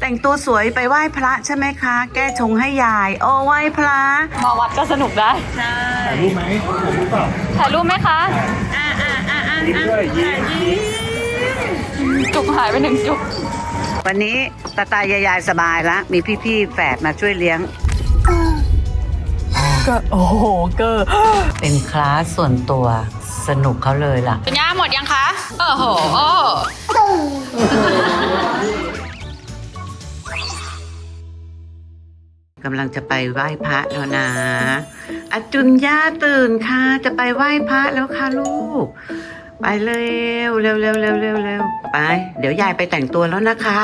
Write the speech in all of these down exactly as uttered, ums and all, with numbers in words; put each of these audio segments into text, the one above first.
แต่งตัวสวยไปไหว้พระใช่ไหมคะ แก้ชงให้ยายโอ้ไหว้พระมาวัดก็สนุกได้ใช่ถ่ายรูปไหมถ่ายรูปเปล่าถ่ายรูปไหมคะอ่าอ่าอ่าอ่ายิ้มด้วยยิ้มจุกหายไปหนึ่งจุกวันนี้ตาตายายายสบายละมีพี่ๆแฝดมาช่วยเลี้ยงก็โอ้โหเกอเป็นคลาสส่วนตัวสนุกเขาเลยล่ะคุณย่าหมดยังคะโอ้โหโอ้กำลังจะไปไหว้พระแล้วนะอาจุนย่าตื่นค่ะจะไปไหว้พระแล้วค่ะลูกไปเร็วเร็วเร็วเร็วเร็วเร็วไปเดี๋ยวยายไปแต่งตัวแล้วนะคะ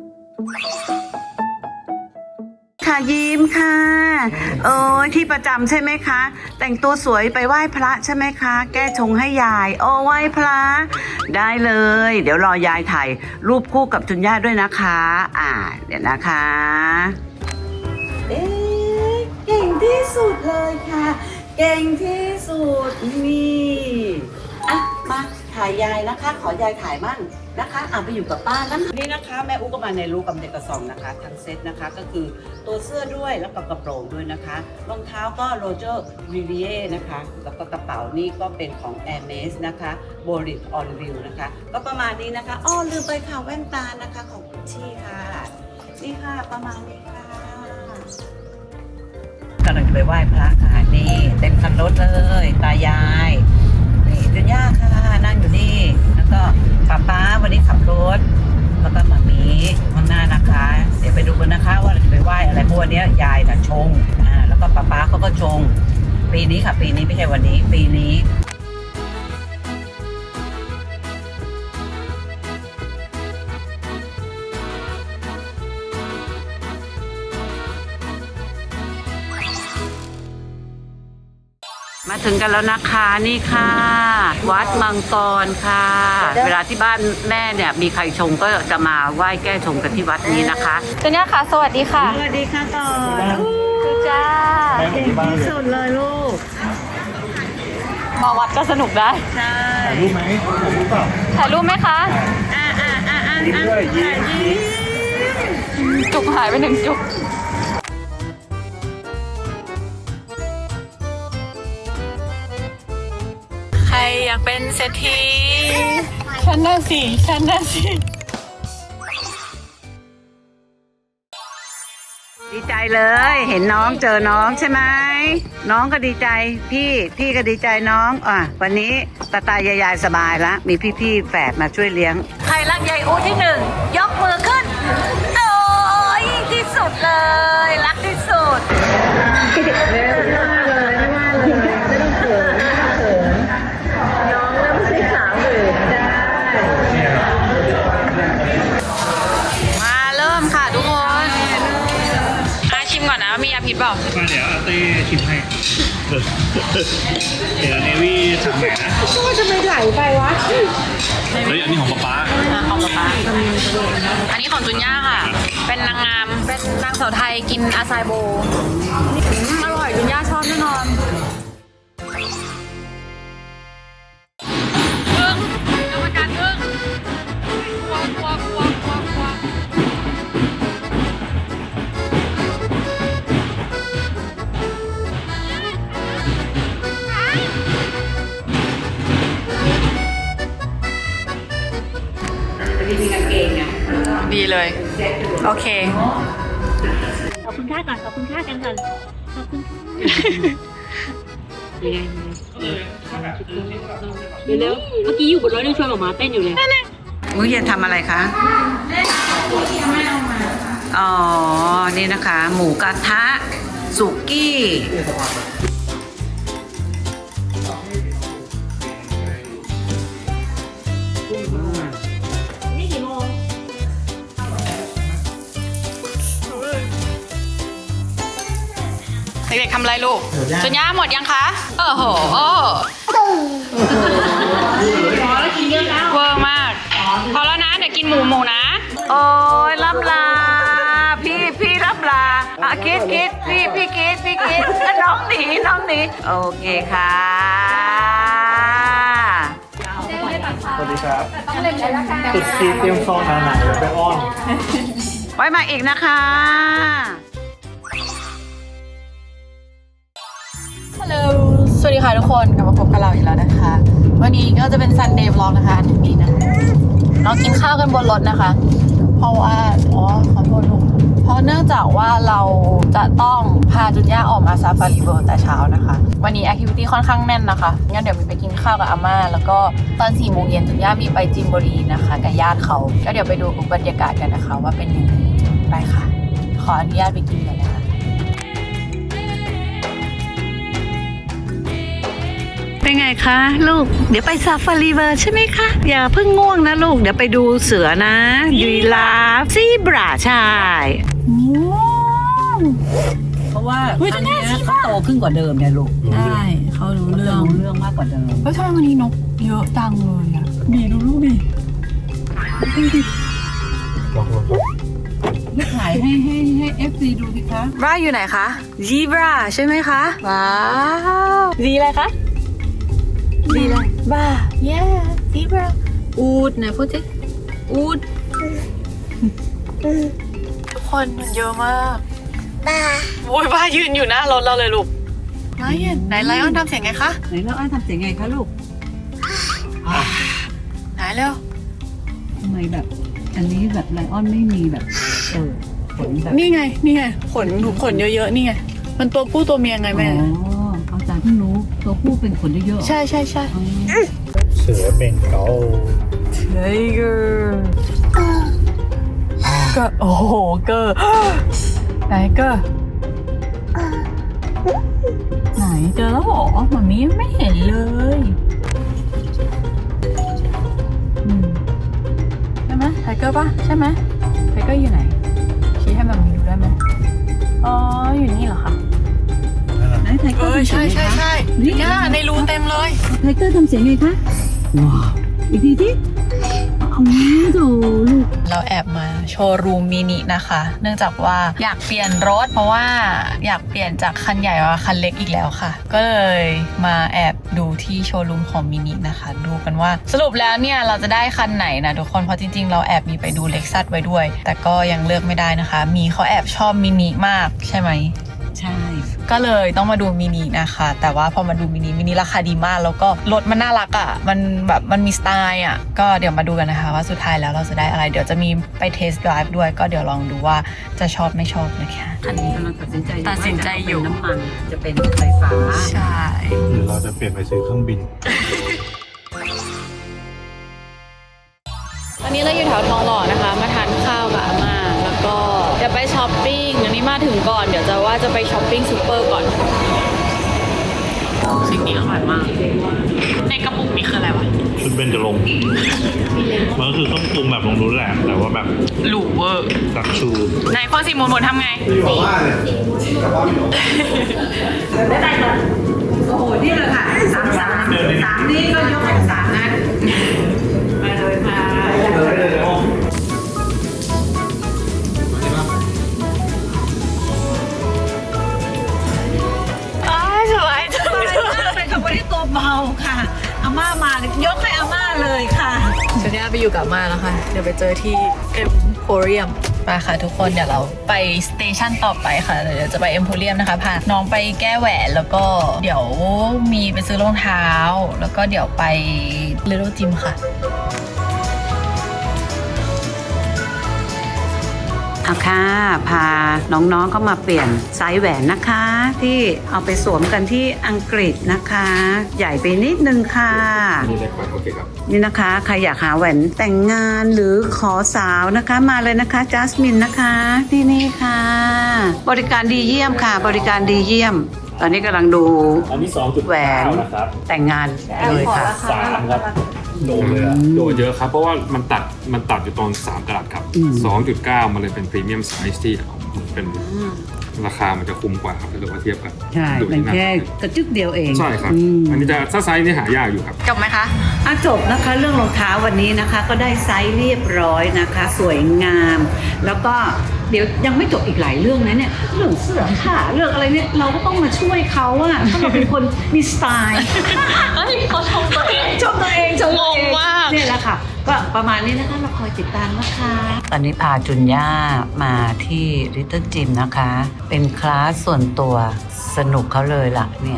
ค่ะยิ้มค่ะโอ้ยที่ประจำใช่ไหมคะแต่งตัวสวยไปไหว้พระใช่ไหมคะ แก้ชงให้ยายโอ้ไหว้พระได้เลยเดี๋ยวรอยายถ่ายรูปคู่กับจุนย่าด้วยนะคะอ่าเดี๋ยวนะคะเอ๊ะเก่งที่สุดเลยค่ะเก่งที่สุดนี่อ่ะมาถ่ายยายนะคะขอยายถ่ายมั่งนะคะอ่ะไปอยู่กับป้านะนี่นะคะแม่อุ๊กก็มาในรูกับเด็กกระสองนะคะทั้งเซตนะคะก็คือตัวเสื้อด้วยแล้วก็กระโปรงด้วยนะคะรองเท้าก็โรเจอร์วิเวียนะคะแล้วก็กระเป๋านี่ก็เป็นของ Hermes นะคะโบริกออนวิวนะคะก็ประมาณนี้นะคะอ้อลืมไปค่ะแว่นตานะคะของกุชชี่ค่ะนี่ค่ะประมาณนี้ค่ะกำลังจะไปไหว้พระค่ะนี่เต็มคันรถเลยตายายนี่จุนย่าค่ะนั่งอยู่นี่แล้วก็ป้าป้าวันนี้ขับรถแล้วก็มามีข้างหน้านะคะเดี๋ยวไปดูกันนะคะว่าเราจะไปไหว้อะไรเพราะวันนี้ยายน่ะชงอ่าแล้วก็ป้าป้าเขาก็ชงปีนี้ค่ะปีนี้ไม่ใช่วันนี้ปีนี้มาถึงกันแล้วนะคะนี่ค่ะวัดมังกรค่ะเวลาที่บ้านแม่เนี่ยมีใครชงก็จะมาไหว้แก้ชงกันที่วัดนี้นะคะคุณย่าค่ะสวัสดีค่ะสวัสดีค่ะก่อนคือจ้าเก่งที่สุดเลยลูกมาวัดก็สนุกได้ใช่ถ่ายรูปไหมถ่ายรูปเปล่าถ่ายรูปไหมคะอ่าอ่าอ่าอ่ายิ้มด้วยยิ้มจุกหายไปหนึ่งจุกใครอยากเป็นเศรษฐีฉันน่ะสิฉันน่ะสิดีใจเลยเห็นน้องเจอน้องใช่ไหมน้องก็ดีใจพี่พี่ก็ดีใจน้องอ่ะวันนี้ตาตายายายสบายละมีพี่ๆแฝดมาช่วยเลี้ยงใครรักยายอูที่หนึ่งยกมือขึ้นโอ้ยที่สุดเลยรักที่สุดไม่ว่าเลยไม่ว่าเลยไม่ต้องเขินไม่ต้องเขินน้องแล้วไม่ใช่สาวหมื่นได้มาเริ่มค่ะทุกคนอาชิมก่อนนะมียาพิษเปล่ามาเดี๋ยวอาเต้ชิมให้เดี๋ยวเนวี่สั่งใหม่นะว่าจะไม่ไหลไปวะเฮ้ยอันนี้ของป๊าป๊าของป๊าป๊าอันนี้ของจุนย่าค่ะเป็นนางงามเป็นนางสาวไทยกินอาซายโบอร่อยจุนย่าชอบแน่นอนอึ้งกรรมการอึ้งกลัวกลัวกลัวกลัวกลัวมีกางเกงไงดีเลยโอเคขอบคุณค่าก่อนขอบคุณค่ากันก่อนขอบคุณค่าเร็วๆเมื่อกี้อยู่บนรถยังชวนหมอมาเต้นอยู่เลยอุ้ยจะทำอะไรคะอ๋อนี่นะคะหมูกระทะสุกี้เด็กๆทำอะไรลูกจุนย่าหมดยังคะโอ้โหโอ้เวอร์มากพอแล้วนะเดี๋ยวกินหมูหมูนะโอ้ยรับลาพี่พี่รับลาอ่ะคิดคิดพี่พี่คิดพี่คิดน้องหนีน้องหนีโอเคค่ะสวัสดีครับตุ๊ดจีเตรียมซองหนาๆเดี๋ยวไปอ้อนไว้มาอีกนะคะฮัลโหล สวัสดีค่ะทุกคนกลับมาพบกับเราอีกแล้วนะคะ วันนี้ก็จะเป็น Sunday Vlog นะคะอันนี้นะเรากินข้าวกันบนรถนะคะ เพราะว่า อ๋อ ขอโทษลูก เพราะเนื่องจากว่าเราจะต้องพาจุนย่าออกมาซาฟารีเวิลด์แต่เช้านะคะ วันนี้แอคทิวิตี้ค่อนข้างแน่นนะคะ งั้นเดี๋ยวมีไปกินข้าวกับอาม่า แล้วก็ตอนสี่โมงเย็นจุนย่ามีไปจิมบุรีนะคะกับญาติเขา ก็เดี๋ยวไปดูบรรยากาศกันนะคะ ว่าเป็นยังไงไปค่ะ ขออนุญาตไปกินกันนะคะเป็นไงคะลูก เดี๋ยวไปซาฟารีเวิลด์ใช่ไหมคะ อย่าเพิ่งง่วงนะลูก เดี๋ยวไปดูเสือนะยีราฟซีบราใช่เพราะว่าครั้งเนี้ยเขาโตขึ้นกว่าเดิมเนี่ยลูกใช่เขารู้เรื่องรู้เรื่องมากกว่าเดิมเฮ้ยทำไมวันนี้นกเยอะจังเลยอ่ะดีดูลูกดิถ่ายให้ให้ให้เอฟซีดูสิคะบราอยู่ไหนคะซีบราใช่ไหมคะ ว้าวซีอะไรคะซีอะไรบรา yeah ซีบราอูดไหนพูดสิอูดทุกคนมันเยอะมากบ้าโว้ยบ้ายืนอยู่หน้ารถเราเลยลูกไลออนไหนไลออนทำเสียงไงคะไหนแล้วอ้ายทำเสียงไงคะลูกไหนเร็วทำไมแบบ อันนี้แบบไลออนไม่มีแบบเออขนแบบนี่ไงนี่ไงขนขนเยอะๆนี่ไงมันตัวผู้ตัวเมียไงอ๋แม่อเอาจากที่รู้ตัวผู้เป็นขนเยอะๆใช่ใช่ใช่อ๋อเสือเบงกอล Tiger ก็โอ้โหเกอร์ไหนเกอร์ไหนเจอแล้วเหรอหมามียังไม่เห็นเลยอืมใช่ไหมไทเกอร์ป่ะใช่ไหมไทเกอร์อยู่ไหนชี้ให้หมามีดูได้ไหมอ๋ออยู่นี่เหรอคะไหนไทเกอร์ทำเสียงไงคะนี่ย่าในรูเต็มเลยไทเกอร์ทำเสียงไงคะว้าวอีกทีสิเอาโถลูกเราแอบมาโชว์รูมมินินะคะ เนื่องจากว่าอยากเปลี่ยนรถ เพราะว่าอยากเปลี่ยนจากคันใหญ่มาคันเล็กอีกแล้วค่ะ ก็เลยมาแอบดูที่โชว์รูมของมินินะคะ ดูกันว่าสรุปแล้วเนี่ยเราจะได้คันไหนนะทุกคนเพราะจริงๆเราแอบมีไปดูเล็กซัสไว้ด้วย แต่ก็ยังเลือกไม่ได้นะคะ มีเขาแอบชอบมินิมากใช่ไหมใช่ก็เลยต้องมาดูมินินะคะ แต่ว่าพอมาดูมินิมินิราคาดีมาก แล้วก็รถมันน่ารักอะ่ะมันแบบมันมีสไตล์อ่ะก็เดี๋ยวมาดูกันนะคะว่าสุดท้ายแล้วเราจะได้อะไร เดี๋ยวจะมีไปเทสต์ไดรฟ์ด้วย ก็เดี๋ยวลองดูว่าจะชอบไม่ชอบนะคะอันนี้กำลังตัดสินใจตัดสินใจอยู่ว่าจะเป็นน้ำมันจะเป็นไฟฟ้าใช่หรือเราจะเปลี่ยนไปซื้อเครื่องบินตอนนี้เราอยู่แถวทองหล่อนะคะ มาทานข้าวกับอาม่าแล้วก็เดี๋ยวไปช้อปปิ้งอันนี้มาถึงก่อนเดี๋ยวจะว่าจะไปช้อปปิ้งซูเปอร์ก่อนสิ่งนี้อร่อยมากในกระปุกนี้คืออะไรวะชุดเบนจะลงค์มันก็คือเครื่องปรุงแบบลงรู้แหละ แต่ว่าแบบหรูเวอร์ดักชูไหนพอสี่โมงหมดทำไงโอ้โห นี่เลยค่ะสามสามสามนี่ก็ยกเป็นสามนะมาเลยค่ะอ้ายสบายจังเลยเป็นคำว่าที่ตัวเบาค่ะอาม่ามายกให้อาม่าเลยค่ะฉันเนี่ยไปอยู่กับอาม่าแล้วค่ะ เดี๋ยวไปเจอที่เอ็มโพเรียมไปค่ะทุกคนเดี๋ยวเราไปสเตชันต่อไปค่ะเดี๋ยวจะไปเอ็มโพเรียมนะคะพาน้องไปแก้แหวนแล้วก็เดี๋ยวมีไปซื้อรองเท้า แล้วก็เดี๋ยวไปเลโลจิมค่ะเอาค่ะพาน้องๆเข้ามาเปลี่ยนไซส์แหวนนะคะ ที่เอาไปสวมกันที่อังกฤษนะคะ ใหญ่ไปนิดนึงค่ะนี่ได้ครับโอเคครับนี่นะคะใครอยากหาแหวนแต่งงานหรือขอสาวนะคะมาเลยนะคะจัสมินนะคะที่นี่ค่ะ บริการดีเยี่ยมค่ะ บริการดีเยี่ยม ตอนนี้กำลังดูอันนี้สองจุดแหวนนะครับแต่งงานเลยค่ะสามครับโดนเลยอะโดดเยอะครับ เพราะว่ามันตัดมันตัดอยู่ตอนสามกะรัตครับ สองจุดเก้า มันเลยเป็นพรีเมียมไซส์ที่เป็นราคามันจะคุ้มกว่าครับถ้าเกิดว่าเทียบกันใช่ดูเป็นที่หน้าแค่กระจึกเดียวเองใช่ครับอืมอันนี้จะถ้าไซส์นี่หายากอยู่ครับจบไหมคะอ่ะจบนะคะเรื่องรองเท้าวันนี้นะคะ ก็ได้ไซส์เรียบร้อยนะคะ สวยงาม แล้วก็เดี๋ยวยังไม่จบอีกหลายเรื่องนะเนี่ยเรื่องเสื้อผ้าเรื่องอะไรเนี่ยเราก็ต้องมาช่วยเขาอะเพราะเราเป็นคนมีสไตล์เฮ้ยเขาชมตัวเองชมตัวเองชมตัวเองงงมากเนี่ยแหละค่ะ ก็ประมาณนี้นะคะเราคอยติดตามนะคะตอนนี้พาจุนย่ามาที่ Little Gym นะคะ เป็นคลาสส่วนตัวสนุกเขาเลยล่ะเนี่ย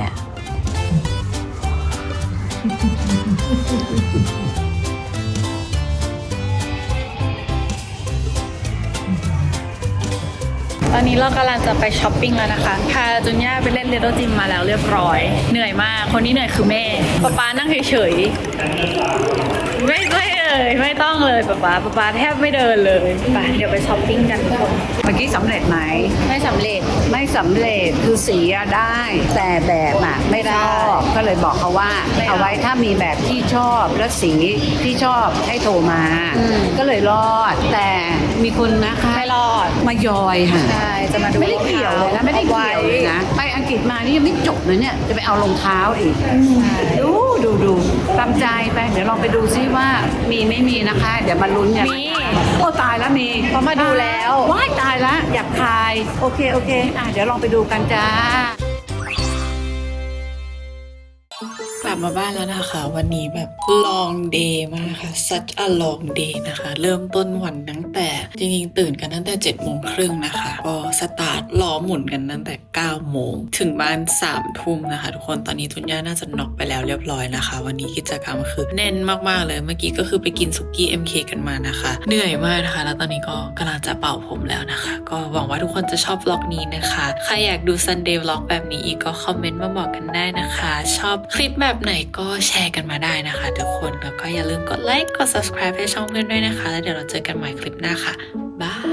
ตอนนี้เรากำลังจะไปช้อปปิ้งแล้วนะคะ พาจุนย่าไปเล่นเลโตจิมมาแล้วเรียบร้อย เหนื่อยมาก คนที่เหนื่อยคือแม่ป๊าป๊านั่งเฉยๆ ไม่ไม่เลยไม่ต้องเลยป๊าป๊าป๊าป๊าแทบไม่เดินเลยไปเดี๋ยวไปช้อปปิ้งกันทุกคนเมื่อกี้สำเร็จไหมไม่สำเร็จไม่สำเร็จคือสีอะได้ แต่แบบอะไม่ชอบก็เลยบอกเขาว่าไม่เอาเอาไว้ถ้ามีแบบที่ชอบและสีที่ชอบให้โทรมาอืมก็เลยรอด แต่มีคนนะคะไม่รอดมายอยค่ะใช่ จะมาดูไม่ได้เกี่ยวเลยนะไม่ได้เกี่ยวเลยนะไปอังกฤษมานี่ยังไม่จบเลยเนี่ยจะไปเอารองเท้าอีกดูดูดูตามใจไปเดี๋ยวลองไปดูซิว่ามีไม่มีนะคะ เดี๋ยวมาลุ้นกันมีโอ้ตายแล้วมีเพราะมาดูแล้วว้ายตายแล้วอยากทายโอเคโอเคอ่ะเดี๋ยวลองไปดูกันจ้ากลับมาบ้านแล้วนะคะ วันนี้แบบ long day มากค่ะ such a long day นะคะ เริ่มต้นวันตั้งแต่จริงๆตื่นกันตั้งแต่เจ็ดโมงครึ่งนะคะก็สตาร์ทล้อหมุนกันตั้งแต่เก้าโมงถึงบ้านสามทุ่มนะคะทุกคนตอนนี้ทุนย่าน่าจะน็อกไปแล้วเรียบร้อยนะคะ วันนี้กิจกรรมคือแน่นมากๆเลยเมื่อกี้ก็คือไปกินสุกี้ เอ็ม เค กันมานะคะเหนื่อยมากนะคะแล้วตอนนี้ก็กำลังจะเป่าผมแล้วนะคะ ก็หวังว่าทุกคนจะชอบวล็อกนี้นะคะใครอยากดู Sunday Vlog แบบนี้อีกก็คอมเมนต์มาบอกกันได้นะคะ ชอบคลิปแบบไหนก็แชร์กันมาได้นะคะทุกคนแล้วก็อย่าลืมกดไลค์กด subscribe ให้ช่องเพื่อนด้วยนะคะแล้วเดี๋ยวเราเจอกันใหม่คลิปหน้าค่ะบาย